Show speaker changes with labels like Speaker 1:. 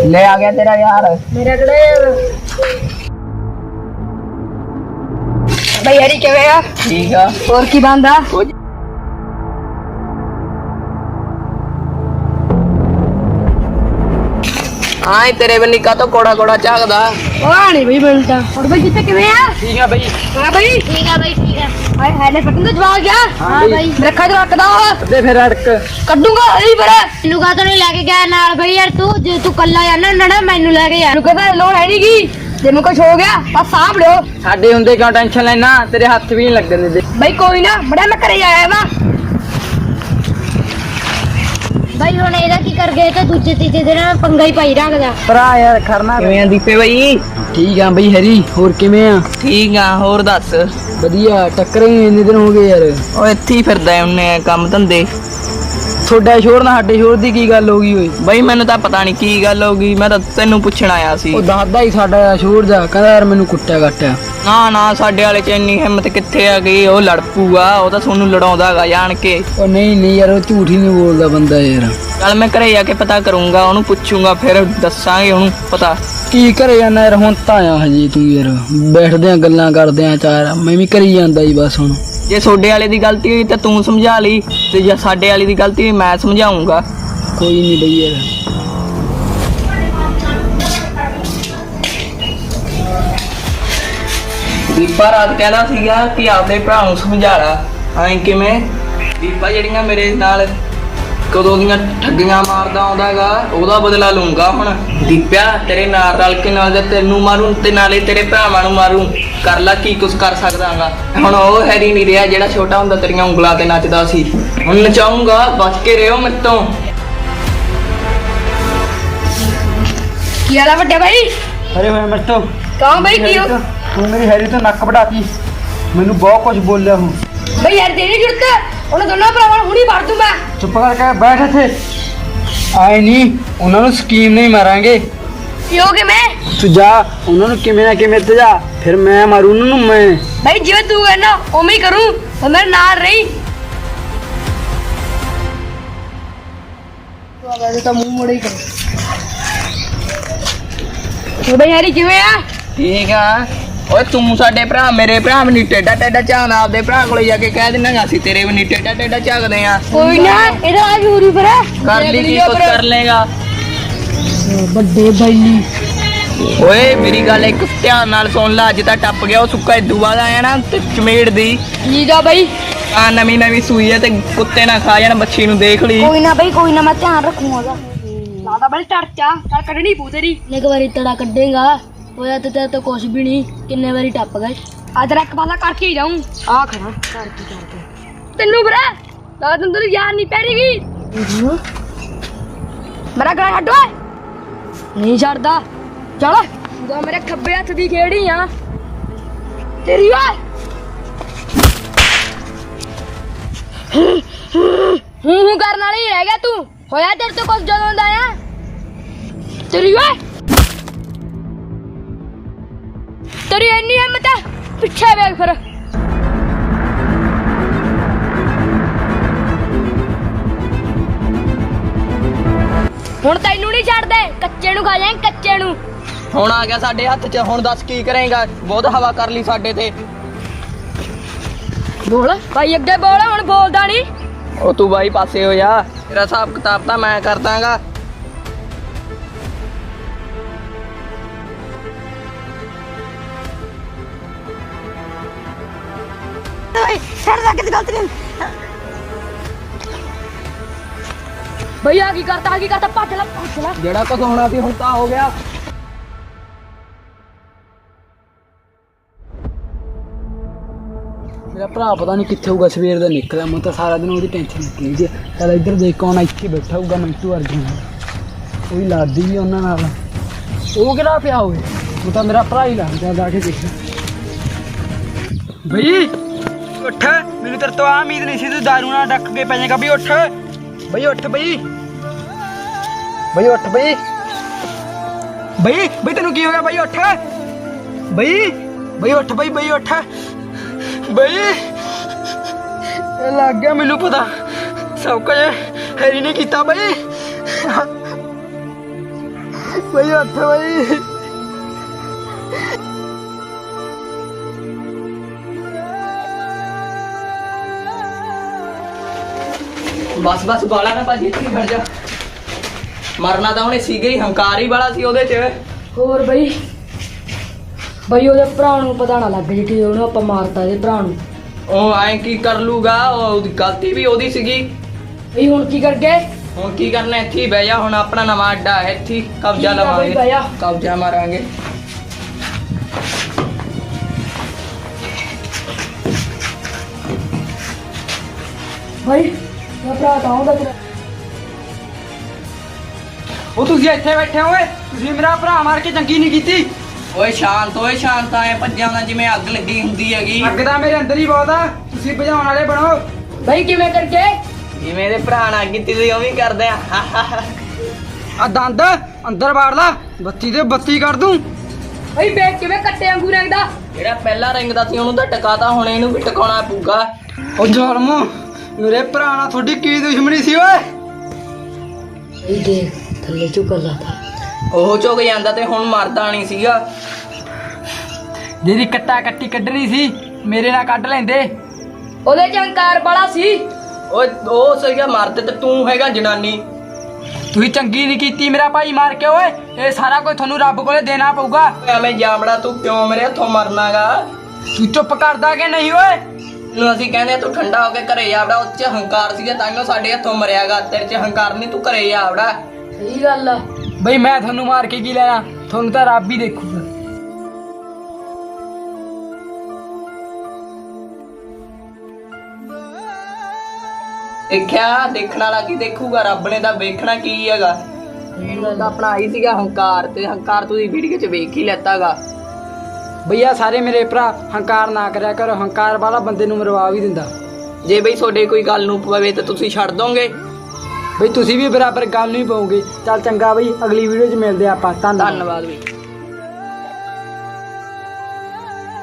Speaker 1: ले आ गया तेरा यार।
Speaker 2: मेरा कड़ा यार भाई हरी क्या गया
Speaker 1: ठीक है
Speaker 2: और की बांधा
Speaker 1: हाँ तेरे बन्नी का तो कोड़ा कोड़ा झाकदा
Speaker 2: वाह नहीं भाई मिलता और भाई कितने किवे यार
Speaker 1: ठीक है भाई
Speaker 2: हां भाई ठीक है भाई ठीक है भाई हैले फटन तो जवाब क्या हां भाई रखा तो रखदा
Speaker 1: दे फिर अड़क
Speaker 2: ਕੱਢੂਗਾ ਹਰੀ ਪਰ ਤੈਨੂੰ ਕਾ ਨਹੀਂ ਲੈ ਕੇ ਗਿਆ ਨਾਲ ਭਾਈ ਯਾਰ ਤੂੰ ਜੇ ਤੂੰ ਕੱਲਾ ਜਾਣਾ ਨਾ ਮੈਨੂੰ ਲੈ ਕੇ ਯਾਰ ਤੂੰ ਕਹਿੰਦਾ ਲੋੜ ਹੈ ਨਹੀਂ ਕੀ ਤੈਨੂੰ ਕੁਝ ਹੋ ਗਿਆ ਬਸ ਸਾਂਭ ਲਿਓ
Speaker 1: ਸਾਡੇ ਹੁੰਦੇ ਕਿਉਂ ਟੈਨਸ਼ਨ ਲੈਣਾ ਤੇਰੇ ਹੱਥ ਵੀ ਨਹੀਂ ਲੱਗਣ ਦਿੰਦੇ
Speaker 2: ਭਾਈ ਕੋਈ ਨਾ ਬੜਾ ਮੈਂ ਘਰੇ ਆਇਆ ਵਾ भाई ਹੁਣ ਇਹਦਾ ਕੀ ਕਰ ਗਏ ਤੇ ਦੂਜੇ ਤੀਜੇ ਦਿਨ ਪੰਗਾ ਹੀ ਪਾਈ ਰੱਖਦਾ
Speaker 1: ਭਰਾ ਯਾਰ ਖਰਨਾ ਕਿਵੇਂ ਆ ਦੀਪੇ ਬਾਈ
Speaker 3: ਠੀਕ ਆ ਬਈ ਹਰੀ ਹੋਰ ਕਿਵੇਂ ਆ
Speaker 1: ਠੀਕ ਆ ਹੋਰ ਦੱਸ
Speaker 3: ਵਧੀਆ ਟੱਕਰੇ ਹੀ ਇੰਨੇ ਦਿਨ ਹੋ ਗਏ ਯਾਰ
Speaker 1: ਉਹ ਇੱਥੇ ਹੀ ਫਿਰਦਾ ਉਹਨੇ ਕੰਮ ਧੰਦੇ
Speaker 3: ਤੁਹਾਡਾ ਸ਼ੋਰ ਨਾਲ ਸਾਡੇ ਸ਼ੋਰ ਦੀ ਕੀ ਗੱਲ ਹੋ ਗਈ ਓਏ
Speaker 1: ਬਾਈ ਮੈਨੂੰ ਤਾਂ ਪਤਾ ਨਹੀਂ ਕੀ ਗੱਲ ਹੋ ਗਈ ਮੈਂ ਤਾਂ ਤੈਨੂੰ ਪੁੱਛਣ ਆਇਆ ਸੀ
Speaker 3: ਉਹ ਦੱਸਦਾ ਹੀ ਸਾਡਾ ਸ਼ੋਰ ਦਾ ਕਹਿੰਦਾ ਯਾਰ ਮੈਨੂੰ ਕੁੱਟਿਆ ਕੱਟਿਆ
Speaker 1: ਨਾ ਨਾ ਸਾਡੇ ਵਾਲੇ ਚ ਇੰਨੀ ਹਿੰਮਤ ਕਿੱਥੇ ਆ ਗਈ ਉਹ ਲੜ ਪੂਗਾ ਉਹ ਤਾਂ ਤੁਹਾਨੂੰ ਲੜਾਉਂਦਾ ਹੈਗਾ ਜਾਣ ਕੇ
Speaker 3: ਉਹ ਨਹੀਂ ਯਾਰ ਉਹ ਝੂਠ ਹੀ ਨਹੀਂ ਬੋਲਦਾ ਬੰਦਾ ਯਾਰ
Speaker 1: ਚੱਲ ਮੈਂ ਘਰੇ ਜਾ ਕੇ ਪਤਾ ਕਰੂੰਗਾ ਉਹਨੂੰ ਪੁੱਛੂੰਗਾ ਫਿਰ ਦੱਸਾਂਗੇ ਉਹਨੂੰ ਪਤਾ
Speaker 3: ਕੀ ਘਰੇ ਜਾਣਾ ਯਾਰ ਹੁਣ ਤਾਂ ਆਇਆ ਹਜੇ ਤੂੰ ਯਾਰ ਬੈਠਦੇ ਆ ਗੱਲਾਂ ਕਰਦੇ ਆ ਚਾਰ ਮੈਂ ਵੀ ਕਰੀ ਜਾਂਦਾ ਜੀ ਬਸ ਹੁਣ
Speaker 1: ਜੇ ਤੁਹਾਡੇ ਵਾਲੇ ਦੀ ਗਲਤੀ ਹੋਈ ਤਾਂ ਤੂੰ ਸਮਝਾ ਲਈ ਤੇ ਜੇ ਸਾਡੇ ਵਾਲੇ ਦੀ ਗਲਤੀ ਹੋਈ ਮੈਂ ਸਮਝਾਉਂਗਾ
Speaker 3: ਕੋਈ ਨਹੀਂ ਬਈ ਯਾਰ
Speaker 1: ਦੀਪਾ ਰਾਤ ਕਹਿੰਦਾ ਸੀਗਾ ਕਿ ਆਪਦੇ ਭਰਾ ਨੂੰ ਸਮਝਾ ਲਾ ਐਂ ਕਿਵੇਂ ਦੀਪਾ ਜਿਹੜੀਆਂ ਮੇਰੇ ਨਾਲ ਕਦੋਂ ਦੀਆਂ ਠੱਗੀਆਂ ਮਾਰਦਾ ਆਉਂਦਾ ਹੈਗਾ ਉਹਦਾ ਬਦਲਾ ਲਊਂਗਾ ਹੁਣ ਦੀਪਿਆ ਤੇਰੇ ਨਾਲ ਰਲ ਕੇ ਨਾਲ ਤੇ ਤੈਨੂੰ ਮਾਰੂ ਤੇ ਨਾਲੇ ਤੇਰੇ ਭਰਾਵਾਂ ਨੂੰ ਮਾਰੂ ਕਰ ਲੈ ਕੀ ਕੁਛ ਕਰ ਸਕਦਾਗਾ ਹੁਣ ਉਹ ਹੈਰੀ ਨਹੀਂ ਰਿਹਾ ਜਿਹੜਾ ਛੋਟਾ ਹੁੰਦਾ ਤੇਰੀਆਂ ਉਂਗਲਾਂ ਤੇ ਨੱਚਦਾ ਸੀ ਹੁਣ ਨਚਾਉਂਗਾ ਬਚ ਕੇ ਰਹੋ ਮੇਰੇ ਤੋਂ
Speaker 2: ਕੀ ਹਾਲ ਆ ਵੱਡੇ ਭਾਈ
Speaker 3: ਅਰੇ ਹੋਏ ਮੇਰੇ ਤੋਂ
Speaker 2: ਕੌਣ ਭਾਈ ਕੀ ਹੋ
Speaker 3: ਤੂੰ ਮੇਰੀ ਹੈਰੀ ਤੋਂ ਨੱਕ ਵਢਾਤੀ ਮੈਨੂੰ ਬਹੁਤ ਕੁਝ ਬੋਲਿਆ ਹੂੰ
Speaker 2: ਭਾਈ ਯਾਰ ਤੇਰੀ ਜੁਰਤ ਉਹਨਾਂ ਦੋਨਾਂ ਭਰਾਵਾਂ ਨੂੰ ਹੁਣੀ ਮਾਰ ਦੂੰ ਮੈਂ
Speaker 3: ਚੁੱਪ ਕਰਕੇ ਬੈਠ ਇੱਥੇ ਆਏ ਨਹੀਂ ਉਹਨਾਂ ਨੂੰ ਸਕੀਮ ਨਹੀਂ ਮਾਰਾਂਗੇ
Speaker 2: ਕੀ ਹੋ ਗਿਆ ਮੈਂ
Speaker 3: ਤੂੰ ਜਾ ਉਹਨਾਂ ਨੂੰ ਕਿਵੇਂ ਨਾ ਕਿਵੇਂ ਤੇ ਜਾ ਫਿਰ ਮੈਂ ਮਾਰੂ ਉਹਨਾਂ ਨੂੰ ਮੈਂ
Speaker 2: ਭਾਈ ਜਿਵੇਂ ਤੂੰ ਕਹਿੰਦਾ ਉਵੇਂ ਹੀ ਕਰੂੰ ਤੇ ਮੇਰੇ ਨਾਲ ਰਹੀ ਤੂੰ ਆ ਗਿਆ ਤਾਂ ਮੂੰਹ ਮੋੜੇ ਹੀ ਕਰ ਤੂੰ ਭਾਈ ਯਾਰੀ ਕਿਵੇਂ ਆ
Speaker 1: ਠੀਕ ਆ ਓਏ ਤੂੰ ਸਾਡੇ ਭਰਾ ਮੇਰੇ ਭਰਾ ਵੀ ਨਹੀਂ ਟੇਡਾ ਟੇਡਾ ਝਾਕਦਾ ਆਪਦੇ ਭਰਾ ਕੋਲੇ ਜਾ ਕੇ ਕਹਿ ਦਿੰਨਾ ਅਸੀਂ ਤੇਰੇ ਵੀ ਨਹੀਂ ਟੇਡਾ ਟੇਡਾ ਝਾਕਦੇ ਆ
Speaker 2: ਕੋਈ ਨਾ ਇਹਦਾ ਆ ਵੀ ਹੋਰੀ ਪਰ
Speaker 1: ਕਰ ਲਈ ਕੀ ਕੁਛ ਕਰ ਲੇਗਾ
Speaker 3: ਵੱਡੇ ਬੈਲੀ
Speaker 1: ਓਏ ਮੇਰੀ ਗੱਲ ਇੱਕ ਧਿਆਨ ਨਾਲ ਸੁਣ ਲੈ ਅੱਜ ਤਾਂ ਟੱਪ ਗਿਆ ਉਹ ਸੁੱਕਾ ਇਦੂ ਬਾਅਦ ਆਇਆ ਨਾ ਤੇ ਚਮੇੜ ਦੀ
Speaker 2: ਠੀਕ ਆ ਭਾਈ
Speaker 1: ਆ ਨਵੀਂ ਸੂਈ ਹੈ ਤੇ ਕੁੱਤੇ ਨਾ ਖਾ ਜਾਣ ਬੱਚੀ ਨੂੰ ਦੇਖ ਲਈ
Speaker 2: ਕੋਈ ਨਾ ਭਾਈ ਕੋਈ ਨਾ ਮੈਂ ਧਿਆਨ ਰੱਖੂਗਾ ਲਾਦਾ ਬਲ ਟਰਚਾ ਚੱਲ ਕੱਢਣੀ ਪੂ ਤੇਰੀ ਇੱਕ ਵਾਰੀ ਤੜਾ ਕੱਢੇਗਾ ਹੋਇਆ ਤੇ ਤੇਰੇ ਤੋਂ ਕੁਛ ਵੀ ਨਹੀਂ ਕਿੰਨੇ ਵਾਰੀ ਟੱਪ ਗਏ ਅੱਜ ਰੱਖ ਪਾਲਾ ਕਰਕੇ ਹੀ ਜਾਊਂ ਆ ਖੜਾ ਕਰਕੇ ਤੈਨੂੰ ਬਰਾ ਲਾ ਤੈਨੂੰ ਯਾਰ ਨਹੀਂ ਪੈਰੀਗੀ ਮੇਰਾ ਗਲਾ ਛੱਡ ਓਏ ਨਹੀਂ ਛੱਡਦਾ ਚਲ ਤੂੰ ਮੇਰੇ ਖੱਬੇ ਹੱਥ ਦੀ ਖੇੜੀ ਆ ਤੇਰੀ ਓਏ ਹੂੰ ਕਰਨ ਵਾਲੀ ਰਹਿ ਗਿਆ ਤੂੰ ਹੋਇਆ ਤੇਰੇ ਤੋਂ ਕੁਛ ਜਦੋਂ ਦਾ ਆ ਤੇਰੀ ਓਏ ਤੇਰੀ ਇੰਨੀ ਹਿੰਮਤ ਹੈ ਪਿੱਛੇ ਵੇਖ ਫਿਰ ਹੁਣ ਤੈਨੂੰ ਨਹੀਂ ਛੱਡਦੇ ਕੱਚੇ ਨੂੰ ਖਾ ਜਾਏ ਕੱਚੇ ਨੂੰ
Speaker 1: ਹੁਣ ਆ ਗਿਆ ਸਾਡੇ ਹੱਥ 'ਚ ਹੁਣ ਦੱਸ ਕੀ ਕਰੇਗਾ ਬਹੁਤ ਹਵਾ ਕਰ ਲਈ ਸਾਡੇ ਤੇ
Speaker 2: ਬੋਲ ਭਾਈ ਅੱਗੇ ਬੋਲ ਹੁਣ ਬੋਲਦਾ ਨਹੀਂ
Speaker 1: ਉਹ ਤੂੰ ਬਾਈ ਪਾਸੇ ਹੋ ਜਾ ਤੇਰਾ ਹਿਸਾਬ ਕਿਤਾਬ ਤਾਂ ਮੈਂ ਕਰ ਦਾਂਗਾ
Speaker 2: ਛੱਡ ਜਾ ਕਿਤੇ ਗਲਤੀ ਨਹੀਂ ਭਈਆ ਕੀ ਕਰਤਾ ਭੱਜ ਲੈ
Speaker 1: ਜਿਹੜਾ ਕੁਝ ਹੋਣਾ ਸੀ ਹੁਣ ਤਾਂ ਹੋ ਗਿਆ
Speaker 3: ਮੇਰਾ ਭਰਾ ਪਤਾ ਨਹੀਂ ਕਿੱਥੇ ਹੋਊਗਾ ਸਵੇਰ ਦਾ ਨਿਕਲਿਆ ਮੈਂ ਤਾਂ ਸਾਰਾ ਦਿਨ ਉਹਦੀ ਟੈਨਸ਼ਨ ਲੱਗੀ ਜੀ ਚੱਲ ਇੱਧਰ ਦੇਖ ਕੌਣ ਇੱਥੇ ਬੈਠਾ ਹੋਊਗਾ ਮਿੰਟੂ ਅਰਜੁਨ ਉਹ ਵੀ ਲੜਦੀ ਵੀ ਉਹਨਾਂ ਨਾਲ ਉਹ ਕਿਹੜਾ ਪਿਆ ਹੋਵੇ ਉਹ ਤਾਂ ਮੇਰਾ ਭਰਾ ਹੀ ਲੱਗਦਾ ਜਾ ਕੇ ਦੇਖ ਬਈ ਉੱਠ ਮੈਨੂੰ ਤੇਰੇ ਤੋਂ ਆ ਉਮੀਦ ਨਹੀਂ ਸੀ ਤੂੰ ਦਾਰੂ ਨਾਲ ਡੱਕ ਕੇ ਪੈ ਜਾਏਗਾ ਬਈ ਉੱਠ ਬਈ ਉੱਠ ਬਈ ਬਈ ਉੱਠ ਬਈ ਬਈ ਬਈ ਤੈਨੂੰ ਕੀ ਹੋ ਗਿਆ ਬਈ ਉੱਠ ਬਈ ਬਈ ਉੱਠ ਬਈ ਉੱਠ ਬਈ ਇਹ ਲੱਗ ਗਿਆ ਮੈਨੂੰ ਪਤਾ ਸਭ ਕੁਝ ਹੈਰੀ ਨੇ ਕੀਤਾ ਬਈ ਬਈ ਉੱਠ ਬਈ।
Speaker 1: ਬਸ ਬਸ ਬਾਲਾ ਨਾ ਭਾਜੀ ਇੱਥੇ ਖੜ ਜਾ। ਮਰਨਾ ਤਾਂ ਉਹਨੇ ਸੀਗਾ ਹੀ, ਹੰਕਾਰ ਹੀ ਵਾਲਾ ਸੀ ਉਹਦੇ 'ਚ।
Speaker 2: ਹੋਰ ਬਈ ਬਈ ਉਹਦੇ ਭਰਾ ਨੂੰ ਪਤਾ ਨਾ ਲੱਗ ਜੇ ਕਿ ਉਹਨੂੰ ਆਪਾਂ ਮਾਰਤਾ ਇਹਦੇ ਭਰਾ ਨੂੰ।
Speaker 1: ਉਹ ਐਂ ਕੀ ਕਰ ਲੂਗਾ, ਉਹਦੀ ਗਲਤੀ ਵੀ ਉਹਦੀ ਸੀਗੀ।
Speaker 2: ਬਈ ਹੁਣ ਕੀ ਕਰ ਗਏ?
Speaker 1: ਹੁਣ ਕੀ ਕਰਨਾ, ਇੱਥੇ ਹੀ ਬਹਿ ਜਾ। ਹੁਣ ਆਪਣਾ ਨਵਾਂ ਅੱਡਾ ਹੈ, ਇੱਥੇ ਹੀ ਕਬਜ਼ਾ
Speaker 2: ਠੀਕ ਆ ਬਈ,
Speaker 1: ਲਵਾਂਗੇ,
Speaker 2: ਬਹਿ ਜਾ।
Speaker 1: ਕਬਜ਼ਾ ਮਾਰਾਂਗੇ।
Speaker 2: ਬਈ ਮੇਰਾ ਭਰਾ ਤਾਂ ਆਉਂਦਾ ਤੇਰਾ।
Speaker 3: ਉਹ ਤੁਸੀਂ ਇੱਥੇ ਬੈਠੇ ਹੋਏ, ਤੁਸੀਂ ਮੇਰਾ ਭਰਾ ਮਾਰ ਕੇ ਚੰਗੀ ਨਹੀਂ ਕੀਤੀ।
Speaker 1: ਓਏ ਸ਼ਾਂਤ ਐ ਭੱਜਿਆ ਨਾ ਜਿਵੇਂ ਅੱਗ ਲੱਗੀ ਹੁੰਦੀ ਹੈਗੀ।
Speaker 3: ਅੱਗ ਤਾਂ ਮੇਰੇ ਅੰਦਰ ਹੀ ਬਹੁਤ ਆ, ਤੁਸੀਂ ਬੁਝਾਉਣ ਵਾਲੇ ਬਣੋ।
Speaker 2: ਬਈ ਕਿਵੇਂ ਕਰ ਗਏ?
Speaker 1: ਜਿਵੇਂ ਇਹਦੇ ਭਰਾ ਨਾਲ ਕੀਤੀ ਸੀ ਉਵੇਂ ਹੀ ਕਰਦੇ ਆ।
Speaker 3: ਆ ਦੰਦ ਅੰਦਰ ਵਾੜ ਲਾ, ਬੱਤੀ ਤੇ ਬੱਤੀ ਕਰ ਦੂੰ।
Speaker 2: ਬਈ ਵੇਖ ਕਿਵੇਂ ਕੱਟੇ ਵਾਂਗੂ ਰੰਗਦਾ।
Speaker 1: ਜਿਹੜਾ ਪਹਿਲਾਂ ਰਿੰਗਦਾ ਸੀ ਉਹਨੂੰ ਤਾਂ ਟਕਾਤਾ, ਹੁਣ ਇਹਨੂੰ ਵੀ ਟਿਕਾਉਣਾ ਪਊਗਾ।
Speaker 3: ਉਹ ਜ਼ਾਲਮੋ, ਮੇਰੇ ਭਰਾ ਨਾਲ ਤੁਹਾਡੀ ਕੀ ਦੁਸ਼ਮਣੀ ਸੀ ਓਏ?
Speaker 2: ਬਈ ਦੇਖ ਥੱਲੇ ਝੁਕਰ ਲਾਤਾ।
Speaker 1: ਉਹ ਝੁਕ ਜਾਂਦਾ ਤੇ ਹੁਣ ਮਰਦਾ ਨਹੀਂ ਸੀਗਾ।
Speaker 3: ਜਿਹੜੀ ਕੱਟਾ ਕੱਟੀ ਕੱਢਣੀ ਸੀ ਮੇਰੇ ਨਾਲ ਕੱਢ ਲੈਂਦੇ।
Speaker 2: ਉਹਦੇ ਚ ਹੰਕਾਰ ਬੜਾ ਸੀ।
Speaker 1: ਓਏ ਉਹ ਸੀਗਾ ਮਰਦ ਤੇ ਤੂੰ ਹੈਗਾ ਜਨਾਨੀ।
Speaker 3: ਤੁਸੀਂ ਚੰਗੀ ਨਹੀਂ ਕੀਤੀ ਮੇਰਾ ਭਾਈ ਮਾਰ ਕੇ ਓਏ। ਇਹ ਸਾਰਾ ਕੁਝ ਤੁਹਾਨੂੰ ਰੱਬ ਕੋਲੇ ਦੇਣਾ ਪਊਗਾ।
Speaker 1: ਐਵੇਂ ਜਾਮੜਾ ਤੂੰ ਕਿਉਂ ਮੇਰੇ ਹੱਥੋਂ ਮਰਨਾਗਾ?
Speaker 3: ਤੂੰ ਚੁੱਪ ਕਰਦਾ ਕਿ ਨਹੀਂ ਓਏ?
Speaker 1: ਨੂੰ ਅਸੀਂ ਕਹਿੰਦੇ ਆ ਤੂੰ ਠੰਡਾ ਹੋ ਕੇ ਘਰੇ ਜਾ ਵੜਾ। ਉਹ 'ਚ ਹੰਕਾਰ ਸੀਗਾ ਤਾਂ ਸਾਡੇ ਹੱਥੋਂ ਮਰਿਆਗਾ। ਤੇਰੇ 'ਚ ਹੰਕਾਰ ਨਹੀਂ, ਤੂੰ ਘਰੇ ਜਾ ਵੜਾ।
Speaker 2: ਸਹੀ ਗੱਲ ਆ।
Speaker 3: ਬਈ ਮੈਂ ਤੁਹਾਨੂੰ ਮਾਰ ਕੇ ਕੀ ਲੈਣਾ, ਤੁਹਾਨੂੰ ਤਾਂ ਰੱਬ ਹੀ ਦੇਖੂਗਾ।
Speaker 1: ਦੇਖਿਆ, ਦੇਖਣ ਵਾਲਾ ਕੀ ਦੇਖੂਗਾ, ਰੱਬ ਨੇ ਤਾਂ ਵੇਖਣਾ ਕੀ ਹੈਗਾ। ਤਾਂ ਆਪਣਾ ਆਈ ਸੀਗਾ ਹੰਕਾਰ, ਤੇ ਹੰਕਾਰ ਤੁਸੀਂ ਵੀਡੀਓ 'ਚ ਵੇਖ ਹੀ ਲੈਤਾਗਾ।
Speaker 3: ਬਈਆ ਸਾਰੇ ਮੇਰੇ ਭਰਾ ਹੰਕਾਰ ਨਾ ਕਰਿਆ ਕਰੋ, ਹੰਕਾਰ ਵਾਲਾ ਬੰਦੇ ਨੂੰ ਮਰਵਾ ਵੀ ਦਿੰਦਾ।
Speaker 1: ਜੇ ਬਈ ਤੁਹਾਡੇ ਕੋਈ ਗੱਲ ਨੂੰ ਪਵੇ ਤਾਂ ਤੁਸੀਂ ਛੱਡ ਦੋਗੇ?
Speaker 3: ਬਈ ਤੁਸੀਂ ਵੀ ਬਰਾਬਰ ਗੱਲ ਨਹੀਂ ਪਾਓਗੇ। ਚੱਲ ਚੰਗਾ ਬਈ, ਅਗਲੀ ਵੀਡੀਓ 'ਚ ਮਿਲਦੇ ਆਪਾਂ। ਧੰਨਵਾਦ।
Speaker 1: ਧੰਨਵਾਦ ਬਈ।